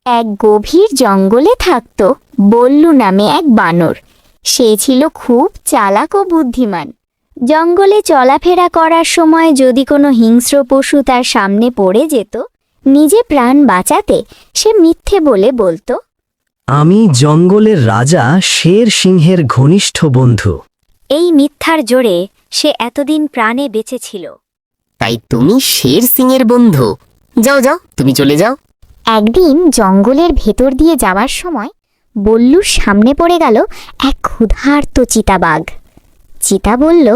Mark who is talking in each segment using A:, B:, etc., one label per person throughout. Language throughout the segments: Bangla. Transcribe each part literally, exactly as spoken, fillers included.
A: এক গভীর জঙ্গলে থাকত বল্লু নামে এক বানর। সে ছিল খুব চালাক ও বুদ্ধিমান। জঙ্গলে চলাফেরা করার সময় যদি কোনো হিংস্র পশু তার সামনে পড়ে যেত, নিজে প্রাণ বাঁচাতে সে মিথ্যে বলে বলতো,
B: আমি জঙ্গলের রাজা শের সিংহের ঘনিষ্ঠ বন্ধু।
A: এই মিথ্যার জোরে সে এতদিন প্রাণে বেঁচে ছিল।
C: তাই তুমি শের সিংয়ের বন্ধু? যাও যাও, তুমি চলে যাও।
A: একদিন জঙ্গলের ভেতর দিয়ে যাওয়ার সময় বল্লুর সামনে পড়ে গেল এক ক্ষুধার্ত চিতাবাঘ। চিতা বলল,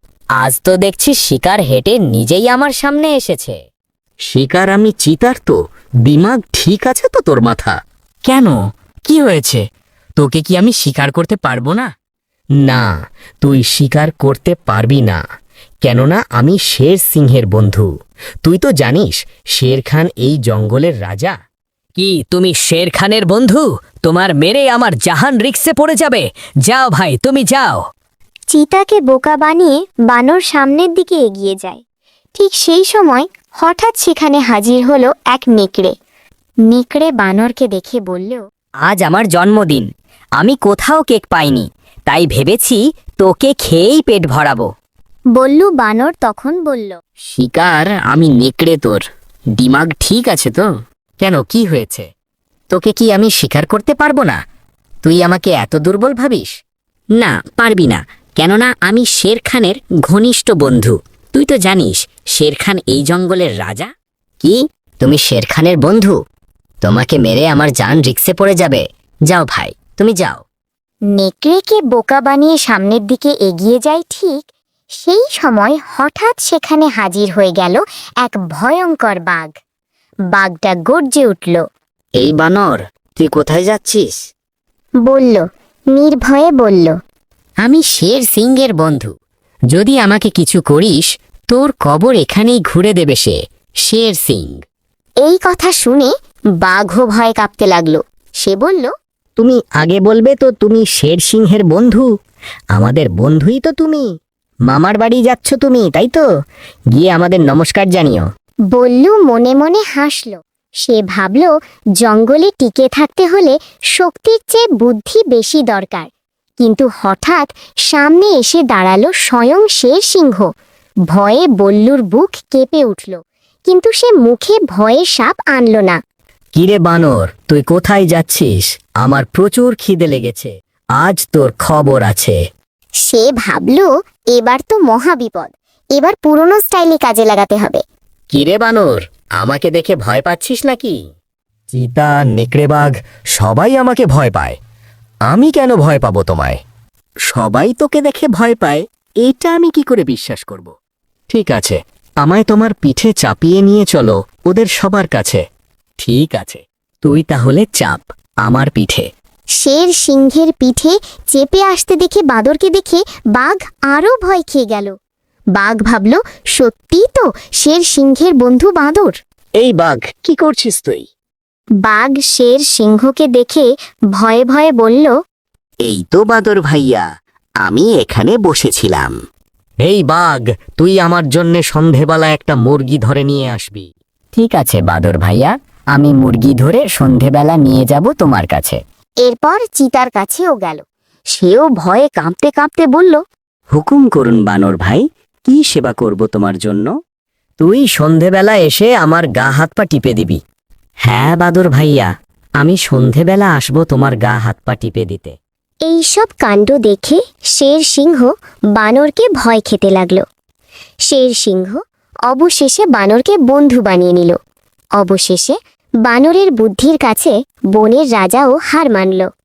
D: আজ তো দেখছি শিকার হেঁটে নিজেই আমার সামনে এসেছে।
C: শিকার আমি চিতার তো দিমাগ ঠিক আছে তো তোর মাথা?
D: কেন, কি হয়েছে? তোকে কি আমি শিকার করতে পারবো না?
C: না, তুই শিকার করতে পারবি না, কেননা আমি শের সিংহের বন্ধু। তুই তো জানিস শের খান এই জঙ্গলের রাজা।
D: কি তুমি শের খানের বন্ধু? তোমার মেরে আমার জাহান রিক্সে পড়ে যাবে। যাও ভাই, তুমি যাও।
A: চিতাকে বোকা বানিয়ে বানর সামনের দিকে এগিয়ে যায়। ঠিক সেই সময় হঠাৎ সেখানে হাজির হলো এক নেকড়ে। নেকড়ে বানরকে দেখে বলল,
D: আজ আমার জন্মদিন, আমি কোথাও কেক পাইনি, তাই ভেবেছি তোকে খেয়েই পেট ভরাবো।
A: বল্লু বানর তখন বলল,
C: শিকার আমি নেকড়ে, তোর দিমাগ ঠিক আছে তো? কেন, কি হয়েছে? তোকে কি আমি শিকার করতে পারবো না? তুই আমাকে এত দুর্বল ভাবিস? না, পারবি না, কেননা আমি শের খানের ঘনিষ্ঠ বন্ধু। তুই তো জানিস শের খান এই জঙ্গলের রাজা। কি, তুমি শের খানের বন্ধু? তোমাকে মেরে আমার জান রিক্সে পড়ে যাবে। যাও ভাই, তুমি যাও।
A: নেকড়েকে বোকা বানিয়ে সামনের দিকে এগিয়ে যায়। ঠিক সেই সময় হঠাৎ সেখানে হাজির হয়ে গেল এক ভয়ঙ্কর বাঘ। বাঘটা গর্জে উঠল।
C: এই বানর, তুই কোথায় যাচ্ছিস?
A: বলল, নির্ভয়ে বলল,
C: আমি শের সিংহের বন্ধু। যদি আমাকে কিছু করিস, তোর কবর এখানেই ঘুরে দেবে সে, শের সিং।
A: এই কথা শুনে বাঘও ভয় কাঁপতে লাগলো। সে বলল,
C: তুমি আগে বলবে তো তুমি শের সিংহের বন্ধু? আমাদের বন্ধুই তো তুমি। মামার বাড়ি যাচ্ছ তুমি, তাই তো? গিয়ে আমাদের নমস্কার জানিও।
A: বল্লু মনে মনে হাসল। সে ভাবল, জঙ্গলে টিকে থাকতে হলে শক্তির চেয়ে বুদ্ধি বেশি দরকার। কিন্তু হঠাৎ সামনে এসে দাঁড়ালো স্বয়ং শের সিংহ। ভয়ে বল্লুর বুক কেঁপে উঠল, কিন্তু সে মুখে ভয়ে সাপ আনল না।
C: কিরে বানর, তুই কোথায় যাচ্ছিস? আমার প্রচুর খিদে লেগেছে, আজ তোর খবর আছে।
A: সে ভাবল, এবার তো মহাবিপদ, এবার পুরনো স্টাইলে কাজে লাগাতে হবে।
C: কিরে বানর, আমাকে দেখে ভয় পাচ্ছিস নাকি?
B: চিতা, নেকড়ে বাঘ সবাই আমাকে ভয় পায়। আমি কেন ভয় পাবো তোমায়?
C: সবাই তোকে দেখে ভয় পায়, এটা আমি কি করে বিশ্বাস করব?
B: ঠিক আছে, আমায় তোমার পিঠে চাপিয়ে নিয়ে চলো ওদের সবার কাছে।
C: ঠিক আছে, তুই তাহলে চাপ আমার পিঠে।
A: শের সিংহের পিঠে চেপে আসতে দেখে বাঁদরকে দেখে বাঘ আরও ভয় খেয়ে গেল। বাঘ ভাবল, সত্যিই তো শের সিংহের বন্ধু বাঁদর।
C: এই বাঘ, কি করছিস তুই?
A: বাঘ শের সিংহকে দেখে ভয়ে ভয়ে বলল,
C: এই তো বাদর ভাইয়া, আমি এখানে বসেছিলাম।
B: এই বাঘ, তুই আমার জন্যে সন্ধেবেলা একটা মুরগি ধরে নিয়ে আসবি।
D: ঠিক আছে বাদর ভাইয়া, আমি মুরগি ধরে সন্ধেবেলা নিয়ে যাব তোমার কাছে।
A: এরপর চিতার কাছেও গেল। সেও ভয়ে কাঁপতে কাঁপতে বলল,
C: হুকুম করুন বানর ভাই, কি সেবা করব তোমার জন্য?
D: তুই সন্ধেবেলা এসে আমার গা হাত পা টিপে দিবি।
C: হ্যাঁ বাদর ভাইয়া, আমি সন্ধেবেলা আসব তোমার গা হাত পা টিপে দিতে।
A: এইসব কাণ্ড দেখে শের সিংহ বানরকে ভয় খেতে লাগল। শের সিংহ অবশেষে বানরকে বন্ধু বানিয়ে নিল। অবশেষে বানরের বুদ্ধির কাছে বনের রাজাও হার মানল।